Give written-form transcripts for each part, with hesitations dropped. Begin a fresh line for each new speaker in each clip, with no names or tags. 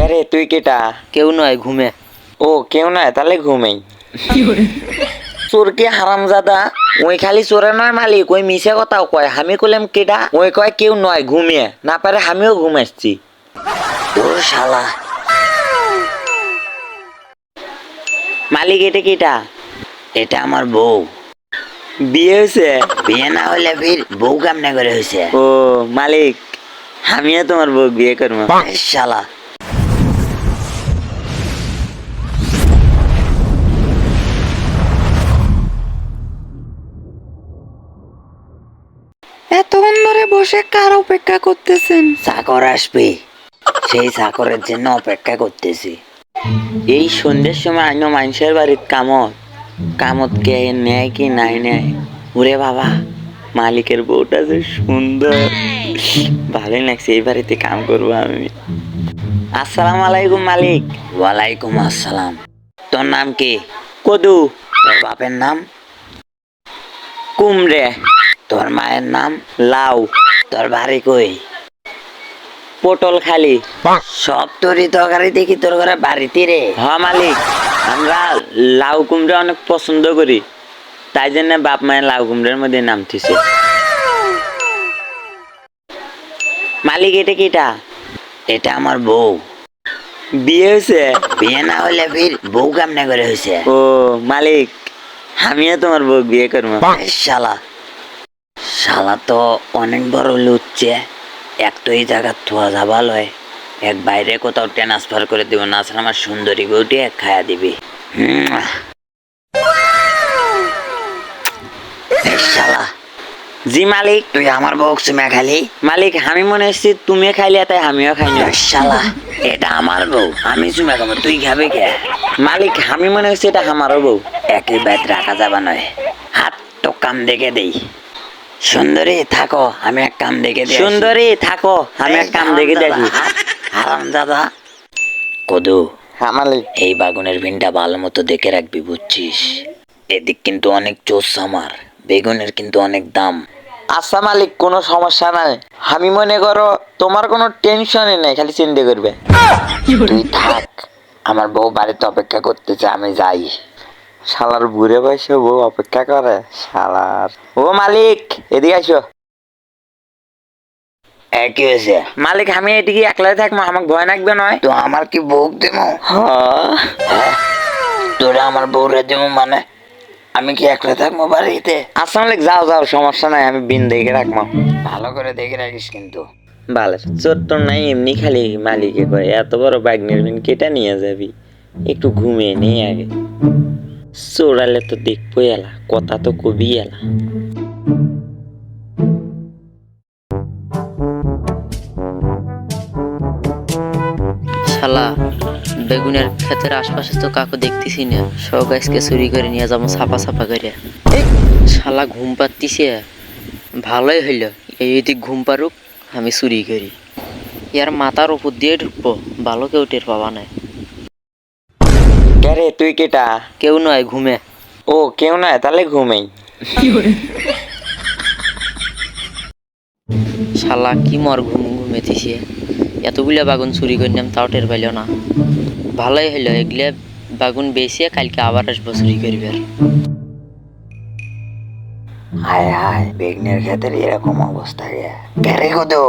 রে তুই কেটা?
কেউ নয়, ঘুমে।
ও কেউ নয়, তাহলে ঘুমেই। চোর কে হারামজাদা? ওই খালি চোরে নয় মালিক, ওই মিশে কথাও কয়। আমি কইলাম কেডা, ওই কয় কেউ নয়, ঘুমিয়ে না পারে আমিও ঘুমাচ্ছি। তোর শালা। মালিক এটা কেটা? এটা আমার বউ। বিয়ে হয়েছে? বিয়ে না হলে ফির বউ কেমনে করে হয়েছে? ও মালিক, আমিও তোমার বউ বিয়ে করবো। শালা। এতক্ষণ ধরে বসে কার অপেক্ষা করতেছেন? চাকর আসবে, সেই চাকরের জন্য অপেক্ষা করতেছি। এই সন্ধ্যের সময় আইনো মানুষের বাড়ির কামত কে নেয় কি নাই নেয়। ওরে বাবা, মালিকের বউটা যে সুন্দর, ভালোই লাগছে। এই বাড়িতে কাম করবো আমি। আসসালামু আলাইকুম মালিক। ওয়ালাইকুম আসসালাম। তোর নাম কি? কদু। তোর বাপের নাম? কুমড়ে। তোর মায়ের নাম? লাউ। তোর বাড়ি কই? পটল খালি। সব তরি তরকারি দেখি তোর ঘরে বাড়িতে রে। হ্যাঁ মালিক, আমরা লাউ কুমড়া অনেক পছন্দ করি, তাই জন্য বাপ মায়ের লাউ কুমড়ার মধ্যে নাম দিছে। মালিক এটা কিটা? এটা আমার বউ। বিয়ে হয়েছে? বিয়ে না হলে ফির বউ কেমনে করে হয়েছে? ও মালিক, আমিও তোমার বউ বিয়ে করবো। শালা, শালা তো অনেক বড় লুচ্ছে। এক তো এই জায়গা থোয়া যাবা লয়, এক বাইরে কোথাও ট্রান্সফার করে দিব, না আসলে আমার সুন্দরী বউটি এক খায়া দিবি। শালা। জি মালিক। তুই আমার বউ চুমা খালি? মালিক, আমি মনে হচ্ছে তুমি খাইলে তাই আমিও খাই না। শালা, এটা আমার বউ, আমি চুমা খাবো, তুই খাবি কে? মালিক, আমি মনে হচ্ছে এটা আমারও বউ। একই বাইত রাখা যাবা নয়, হাত তো কাম দেখে দেই। সুন্দরী থাকো, আমি এক কাম দেখে দিই। সুন্দরী থাকো, আমি এক কাম দেখে দেখি। হারাম দাদা। কদু, হ্যাঁ মালিক, এই বাগুনের ভিনটা ভালো মতো দেখে রাখবি, বুঝছিস? এদিক কিন্তু অনেক চোস আমার, বেগুনের কিন্তু অনেক দাম। আচ্ছা মালিক, কোনো সমস্যা নাই। আমি মনে করো তোমার কোনো টেনশনই নাই, খালি চিন্তা করবে। তুই থাক, আমার বউ বাড়িতে অপেক্ষা করতেছে, আমি যাই। শালার বুড়ে বয়সে বউ অপেক্ষা করে, শালার। ও মালিক, এদিকে আসো। কি হয়েছে? মালিক, আমি এদিকে একলাই থাকবো, আমাকে ভয় লাগবে নয় তো? আমার কি বউ দেবো? হ্যাঁ, তোরা আমার বউরে দেবো মানে? আমি কি একলা থাকবো বাড়িতে? আচ্ছা মালিক, যাও যাও, সমস্যা নাই, আমি বিন দেখে রাখবো। ভালো করে দেখে রাখিস কিন্তু। ভালো চোর তো নাই, এমনি খালি মালিকে কয় এত বড় বাগনের বিন কেটে নিয়ে যাবি, একটু ঘুমিয়ে নেই আগে। চোরালে তো দেখবো এলা, কথা তো কবি এলা।
শালা, বেগুনের ক্ষেতের আশপাশে তো কাকু দেখতেছি না, সব গাছকে চুরি করে নিয়ে যাবো ছাপা ছাপা করে। শালা ঘুম পাতিছে, ভালোই হইল, এইদিক ঘুম পারুক, আমি চুরি করি। ইয়ার মাথার উপর দিয়ে ঢুকবো, ভালো কেউ টের পাবা নাই।
রে তুই কেটা?
কেউ নয়, ঘুমে।
ও কেউ নয়, তাহলে ঘুমেই।
শালা কি মর ঘুমেতিছে, এতগুলা বাগুন চুরি করলাম তাও টের পাইল না। ভালোই হইল, এগুলা বাগুন বেশি কালকে আবার আসবো চুরি করবে।
হায় হায়, বেগনের ক্ষেতের এরকম অবস্থা রে কদু।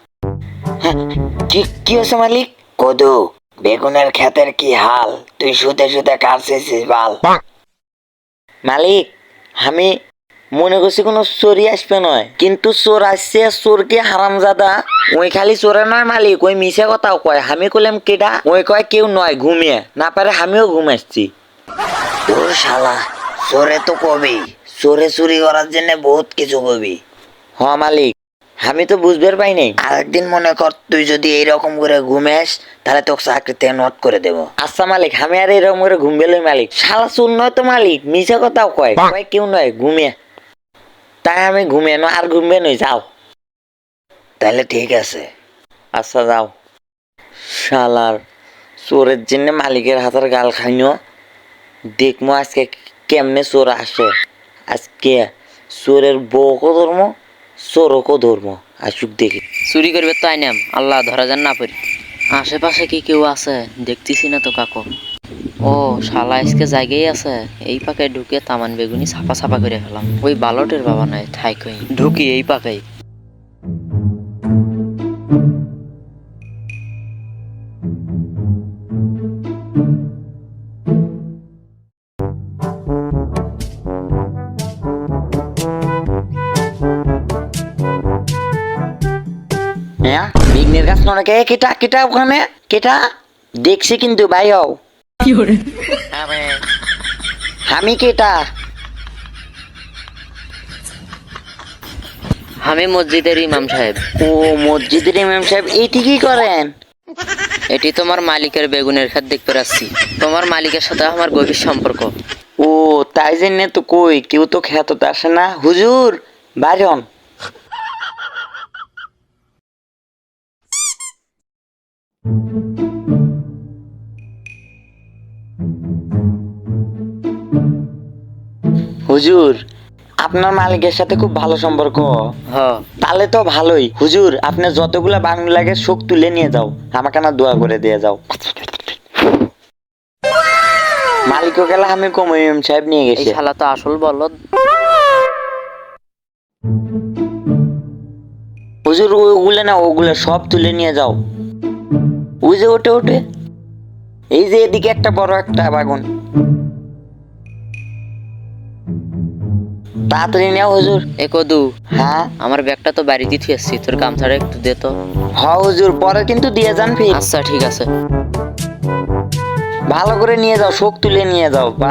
কি হয়েছে মালিক? কদু, বেগুনের ক্ষেতের কি হাল? তুই শুতে শুতে কাটছিস বাল। মালিক, আমি মনে করছি কোনো চোরই আসবে নয়, কিন্তু চোর আসছে। চোরকে হারামজাদা, ওই খালি চোরে নয় মালিক, ওই মিশে কথাও কয়। আমি কইলাম কেডা, ওই কয় কেউ নয়, ঘুমিয়ে না পারে আমিও ঘুমাচ্ছি। তোর শালা, চোরে তো কবি, চোরে চুরি করার জন্য বহুত কিছু কবি। হ মালিক, আমি তো বুঝবার পাই নাই। আরেকদিন মনে কর তুই যদি এইরকম করে ঘুমেস, তাহলে তোকে চাকরিতে নোট করে দেবো। আচ্ছা মালিক, আমি আর এরকম করে ঘুমবে লই মালিক। শালা চোর নয় তো মালিক, মিশে কথাও কয়, কয় কেউ নয়, ঘুমিয়ে। তাই আমি ঘুমিয়ে আর ঘুমবে নই, যাও। তাহলে ঠিক আছে। আচ্ছা যাও। শালার চোরের জন্য মালিকের হাতের গাল খাইনো। দেখবো আজকে কেমনে চোর আসে। আজকে চোরের বউকে ধরবো, চোরকে ধরবো, আসুক দেখি।
চুরি করবে তো আইনাম, আল্লাহ ধরা যান না পারি। আশেপাশে কি কেউ আছে? দেখতেছি না তো কাকু। ও শালা আজকে জায়গায় আছে। এই পাকায় ঢুকে তামান বেগুনি ছাপা ছাপা করে ফেলাম। ওই বালটের বাবা নাই ঠাই কই ঢুকি এই পাকায়।
হ্যাঁ বিঘ্নের গাছ নড়ে কেটা কেটা ওখানে কেটা দেখছি কিন্তু ভাই হও আমি কেটা
আমি মসজিদের ইমাম সাহেব।
ও মসজিদের ইমাম সাহেব এইটি কি করেন?
এটি তোমার মালিকের বেগুনের ক্ষেত দেখতে পাচ্ছি। তোমার মালিকের সাথে আমার গভীর সম্পর্ক।
ও তাই জন্য তো কই কেউ তো খেতে আসে না হুজুর বাজন। হুজুর আপনার মালিকের সাথে খুব ভালো সম্পর্ক।
হ
তাহলে তো ভালোই হুজুর, আপনি যতগুলা বাংলা লাগে শোক তুলে নিয়ে যাও, আমাকে না দোয়া করে দিয়ে যাও। মালিকও গেলে আমি কমিউম সাহেব নিয়ে
এই
গেছি।
শালা তো আসল বলদ।
হুজুর ওগুলো না ওগুলো সব তুলে নিয়ে যাও। ওই যে ওঠে ওঠে এই যে এদিকে একটা বড় একটা বাগুন, তাড়াতাড়ি নেও হুজুর।
এ কদু,
হ্যাঁ
আমার ব্যাগটা তো বাড়িতে থুই আসছি, তোর গামছাটা একটু দে তো।
হ হুজুর পরে কিন্তু দিয়ে যান ফির।
আচ্ছা ঠিক আছে।
ভালো করে নিয়ে যাও, শোক তুলে নিয়ে যাও বা।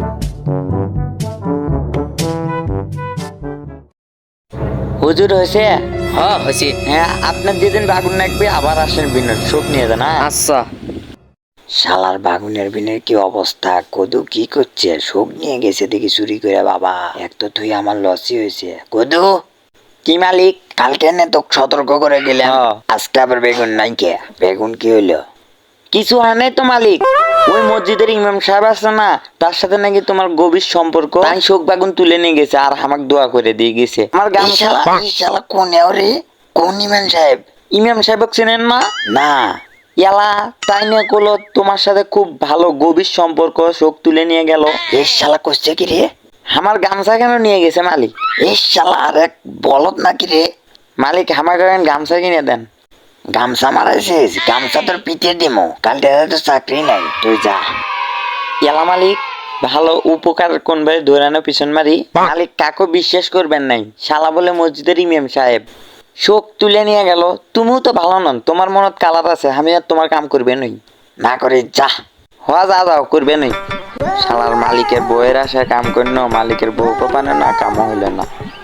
হুজুর হয়েছে?
হ্যাঁ হয়েছি।
হ্যাঁ আপনার যেদিন বাগুন লাগবে আবার আসেন বিনের শোক নিয়ে যান। হ্যাঁ
আচ্ছা।
শালার বাগুনের বিনের কি অবস্থা, কদু কি করছে? শোক নিয়ে গেছে দেখি চুরি করে বাবা, এক তো তুই আমার লসই হয়েছে। কদু কি মালিক, কালকে নে তো সতর্ক করে গেলাম, আজকে আবার বেগুন নাই কে? বেগুন কি হইলো? কিছু হয় নাই তো মালিক, ওই মসজিদের ইমাম সাহেব আছে না, তার সাথে নাকি তোমার গভীর সম্পর্ক, তাই শোক বাগুন তুলে নিয়ে গেছে আর আমাকে দোয়া করে দিয়ে গেছে। আমার গান শালা কোন রে? কোন ইমাম সাহেব? ইমাম সাহেব চেনেন না? না ইয়ালা তাই নিয়ে কলো তোমার সাথে খুব ভালো গভীর সম্পর্ক, শোক তুলে নিয়ে গেল। এই শালা করছে কি রে? আমার গামছা কেন নিয়ে গেছে মালিক? এই শালা আর এক বলদ নাকি রে? মালিক আমাকে গামছা কিনে দেন। গামছা মারাইছিস? গামছা তোর পিটিয়ে দিমো, কাল তো চাকরি নাই, তুই যা। এলা মালিক ভালো উপকার কোন ভাই ধরানো পিছন মারি। মালিক কাকু বিশ্বাস করবেন নাই, শালা বলে মসজিদের ইমাম সাহেব শোক তুলে নিয়ে গেল। তুমিও তো ভালো নন, তোমার মনত কালার আছে, আমি আর তোমার কাম করবে নই না করে যা। হওয়া যা যাও করবে নই। শালার মালিকের বউয়ের আশায় কাম করিনো, মালিকের বউ কোপানো না, কামও হইল না।